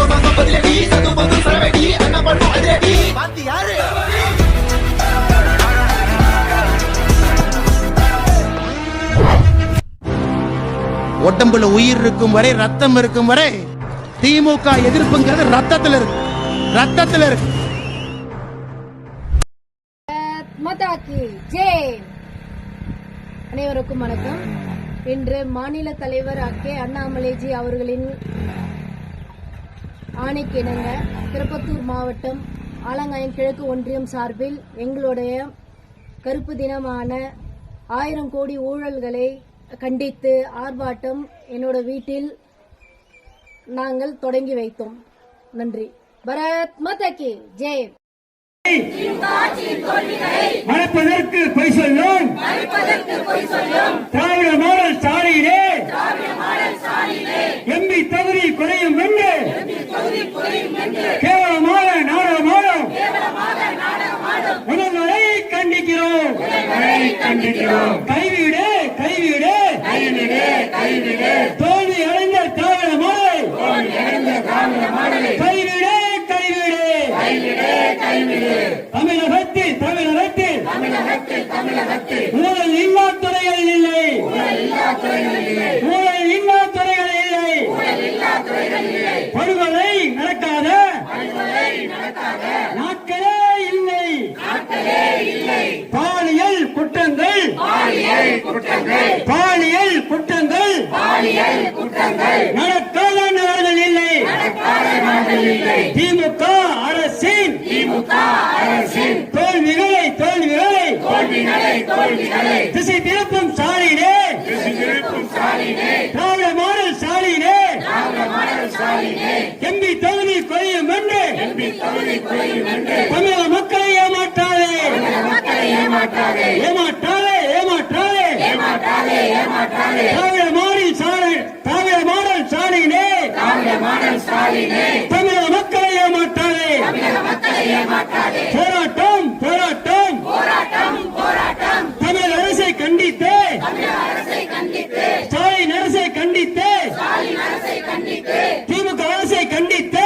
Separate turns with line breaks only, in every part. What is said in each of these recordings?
உடம்புல உயிர் இருக்கும் வரை, ரத்தம் இருக்கும் வரை திமுக எதிர்ப்புங்கிறது ரத்தத்தில் இருக்கு, ரத்தத்தில் இருக்கு.
அனைவருக்கும் வணக்கம். இன்று மாநில தலைவர் கே அண்ணாமலைஜி அவர்களின் ஆணைக்கிணங்க திருப்பத்தூர் மாவட்டம் ஆலங்காயம் கிழக்கு ஒன்றியம் சார்பில் எங்களுடைய கருப்பு தினமான 1000 கோடி ஊழல்களை கண்டித்து ஆர்ப்பாட்டம் என்னோட வீட்டில் நாங்கள் தொடங்கி வைத்தோம். நன்றி. பாரத் மாதா கி ஜெய்.
மறைப்பதற்கு பொய் சொல்லும் திராவிட மாடல் ஸ்டாலினே, எம்பி தகுதி குறையும் என்று கேவலமான நாடகமாடும் முதல்வரை கண்டிக்கிறோம். கைவிடு கைவிடு தோல்வி அடைந்த திராவிட மாடலை கைவிடு கைவிடு. தமிழகத்தில் ஊழல் இல்லா துறைகளில் இல்லை, ஊழல் இல்லா துறைகளில் இல்லை, படுகொலை நடக்காத நாட்களே இல்லை, பாலியல் குற்றங்கள் நடக்காத நாடுகள் இல்லை. திமுக அரசின் தோல்விகளை திசை திருப்பும் ஸ்டாலினே, திராவிட மாடல் ஸ்டாலினே, எம்பி தகுதி குறையும் என்று தமிழக மக்களை ஏமாற்றாதே. திராவிட மாடல் ஸ்டாலினே, தமிழக மக்களை ஏமாற்றாதே. போராட்டம் தமிழ் அரசை கண்டித்து, ஸ்டாலின் அரசை கண்டித்து, திமுக அரசை கண்டித்து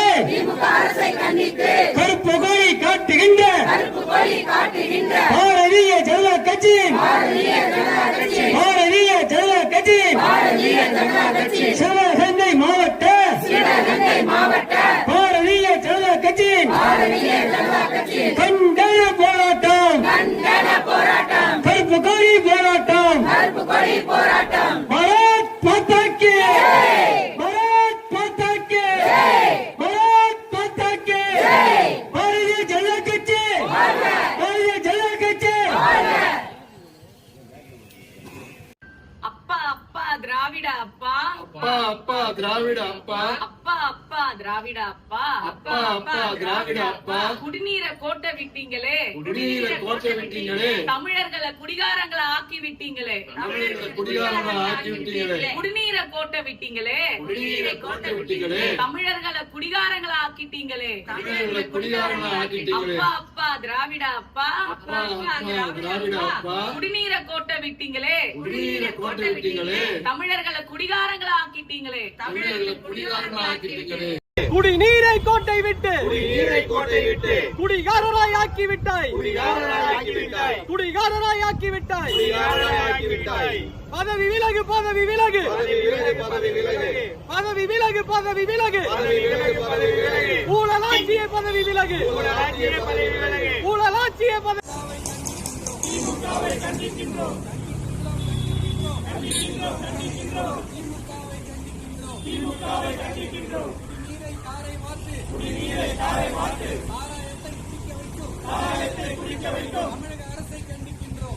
கருப்பு கொடி காட்டுகின்ற பாரதிய ஜனதா கட்சியின் சிவகங்கை மாவட்ட பாரதிய ஜனதா கட்சியின் கண்டன போராட்டம், கருப்பு கொடி போராட்டம். பாரத் மாதா கி, பாரத் மாதா கி, பாரத் மாதா கி. பாரதிய ஜனதா கட்சி, பாரதிய ஜனதா கட்சி.
அப்பா அப்பா திராவிட அப்பா,
அப்பா அப்பா திராவிட அப்பா,
அப்பா அப்பா திராவிட அப்பா,
அப்பா அப்பா திராவிட அப்பா.
குடிநீரை கோட்டை விட்டீங்களே,
குடிநீரை கோட்டை விட்டீங்களே,
தமிழர்களை குடிகாரங்களை ஆக்கி விட்டீங்களே,
தமிழர்களை குடிகாரங்களை ஆக்கி விட்டீங்களே,
குடிநீரை கோட்டை விட்டீங்களே,
குடிநீரை கோட்டை விட்டீங்களே,
தமிழர்களை குடிகாரங்களை ஆக்கிட்டீங்களே,
தமிழர்களை குடிகாரங்களை ஆக்கிட்டீங்களே.
அப்பா அப்பா திராவிட அப்பா,
அப்பா அப்பா திராவிட அப்பா.
குடிநீரை கோட்டை விட்டீங்களே,
குடிநீரை கோட்டை விட்டீங்களே,
தமிழர்களை குடிகாரங்களை ஆக்கிட்டீங்களே,
தமிழர்களை குடிகாரங்களை ஆக்கிட்டீங்களே.
குடிநீரை கோட்டை விட்டு
குடிகாரராய்
ஆக்கி விட்டாய், பதவி விலகு, ஊழலாட்சிய பதவி விலகு. குடிநீரை தாரை மாற்று, சாராயத்தை குடிக்க வைக்கும் தமிழக அரசை கண்டிக்கின்றோம்.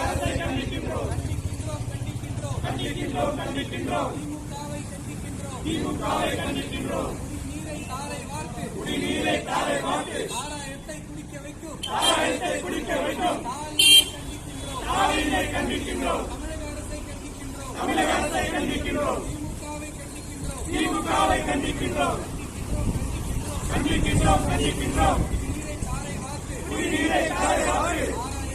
திமுகவை கண்டிக்கின்றோம். குடிநீரை தாரை மாற்று, சாராயத்தை குடிக்க வைக்கும் ஸ்டாலினை கண்டிக்கின்றோம். தமிழக அரசை கண்டிக்கின்றோம். திமுகவை கண்டிக்கின்றோம்.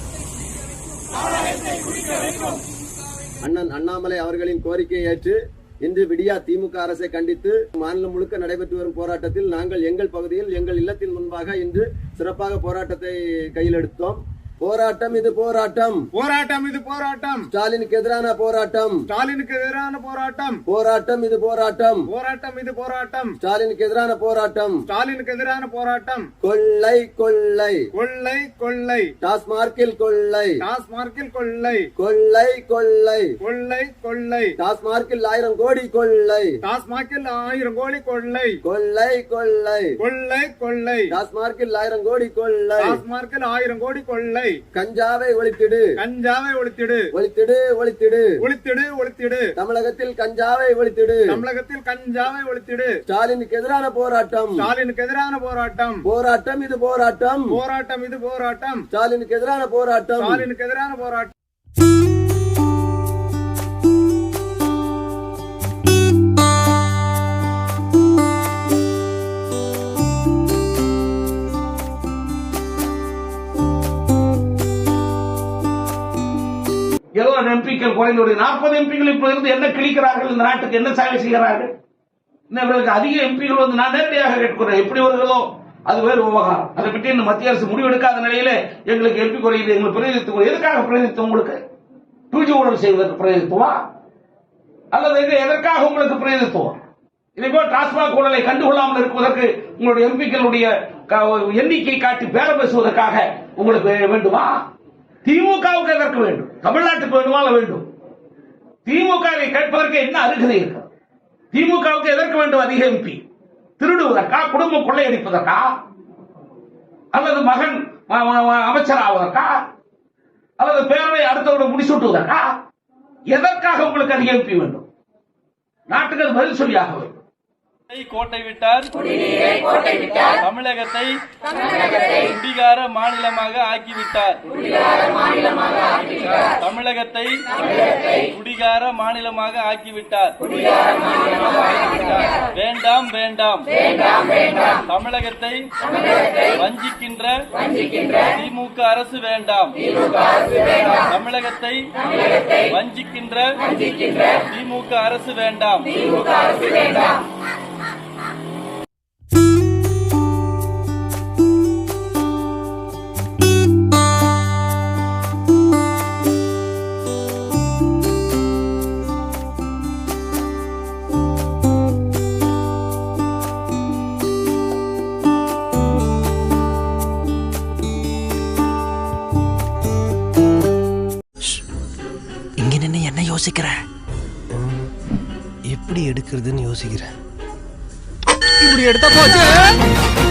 அண்ணன் அண்ணாமலை அவர்களின் கோரிக்கையை ஏற்று இன்று விடியா திமுக அரசை கண்டித்து மாநிலம் முழுக்க நடைபெற்று வரும் போராட்டத்தில் நாங்கள் எங்கள் பகுதியில் எங்கள் இல்லத்தின் முன்பாக இன்று சிறப்பாக போராட்டத்தை கையில் எடுத்தோம். போராட்டம் இது போராட்டம்,
போராட்டம் இது போராட்டம்,
ஸ்டாலினுக்கு எதிரான போராட்டம்,
ஸ்டாலினுக்கு எதிரான போராட்டம்,
போராட்டம் இது போராட்டம்,
போராட்டம் இது போராட்டம்,
ஸ்டாலினுக்கு எதிரான போராட்டம்,
ஸ்டாலினுக்கு எதிரான போராட்டம்.
கொள்ளை கொள்ளை
கொள்ளை கொள்ளை,
டாஸ்மார்க்கில் கொள்ளை,
டாஸ்மார்க்கில் கொள்ளை,
கொள்ளை கொள்ளை,
கொள்ளை கொள்ளை,
டாஸ்மார்க்கில் 1000 கோடி கொள்ளை,
டாஸ்மார்க்கில் 1000 கோடி கொள்ளை,
கொள்ளை கொள்ளை,
கொள்ளை கொள்ளை,
டாஸ்மார்க்கில் 1000 கோடி கொள்ளை,
டாஸ்மார்க்கில் 1000 கோடி கொள்ளை.
கஞ்சாவை ஒழித்திடு,
கஞ்சாவை ஒழித்திடு,
ஒழித்திடு ஒழித்திடு,
ஒழித்திடு ஒழித்திடு,
தமிழகத்தில் கஞ்சாவை ஒழித்திடு,
தமிழகத்தில் கஞ்சாவை ஒழித்திடு.
ஸ்டாலினுக்கு எதிரான போராட்டம்,
ஸ்டாலினுக்கு எதிரான போராட்டம்,
போராட்டம் இது போராட்டம்,
போராட்டம் இது போராட்டம்,
ஸ்டாலினுக்கு எதிரான போராட்டம்,
ஸ்டாலினுக்கு எதிரான போராட்டம்.
ஏதோ எம்பிக்கள் குறைந்து 40 எம்பிக்கள் இப்ப இருந்து என்ன கிழிக்கிறார்கள், இந்த நாட்டுக்கு என்ன சேவை செய்கிறார்கள்? இவர்களுக்கு அதிக எம்பிகள் வந்து நான் நேரடியாக கேட்கிறேன், எப்படி வருகிறதோ அது வேறு விவகாரம். அதை பற்றி இன்னும் மத்திய அரசு முடிவெடுக்காத நிலையில எங்களுக்கு எம்பி குறையுது, எங்களுக்கு பிரதிநிதித்துவம். எதுக்காக பிரதிநிதித்துவம்? உங்களுக்கு பூஜை ஊழல் செய்வதற்கு பிரதிநிதித்துவம், அல்லது எதற்காக உங்களுக்கு பிரதிநிதித்துவம்? இதேபோல் டாஸ்மாக் ஊழலை கண்டுகொள்ளாமல் இருப்பதற்கு உங்களுடைய எம்பிக்களுடைய எண்ணிக்கை காட்டி பேரம் பேசுவதற்காக உங்களுக்கு வேண்டுமா? திமுகவுக்கு எதற்கு வேண்டும்? தமிழ்நாட்டுக்கு வேண்டுமா? வேண்டும். திமுகவை கேட்பதற்கு என்ன அருகதை இருக்கு? திமுகவுக்கு எதற்கு வேண்டும் அதிக எம்பி? திருடுவதற்கா? குடும்பம் கொள்ளையடிப்பதற்கா? அல்லது மகன் அமைச்சர் ஆவதற்கா? அல்லது பேரவை அடுத்தவர்கள் முடிசூட்டுவதற்கா? எதற்காக உங்களுக்கு அதிக எம்பி வேண்டும்? நாட்டுக்கு அது பதில் சொல்லியாக வேண்டும்.
கோட்டை விட்டார், தமிழகத்தை குடிகார மாநிலமாக ஆக்கிவிட்டார், தமிழகத்தை குடிகார மாநிலமாக ஆக்கிவிட்டார். வேண்டாம் வேண்டாம், தமிழகத்தை வஞ்சிக்கின்ற திமுக அரசு வேண்டாம், தமிழகத்தை வஞ்சிக்கின்ற திமுக அரசு வேண்டாம்.
இங்க நின்னு என்ன யோசிக்கிற? எப்படி எடுக்கிறதுன்னு யோசிக்கிறேன். இப்படி எடுத்த போச்சு.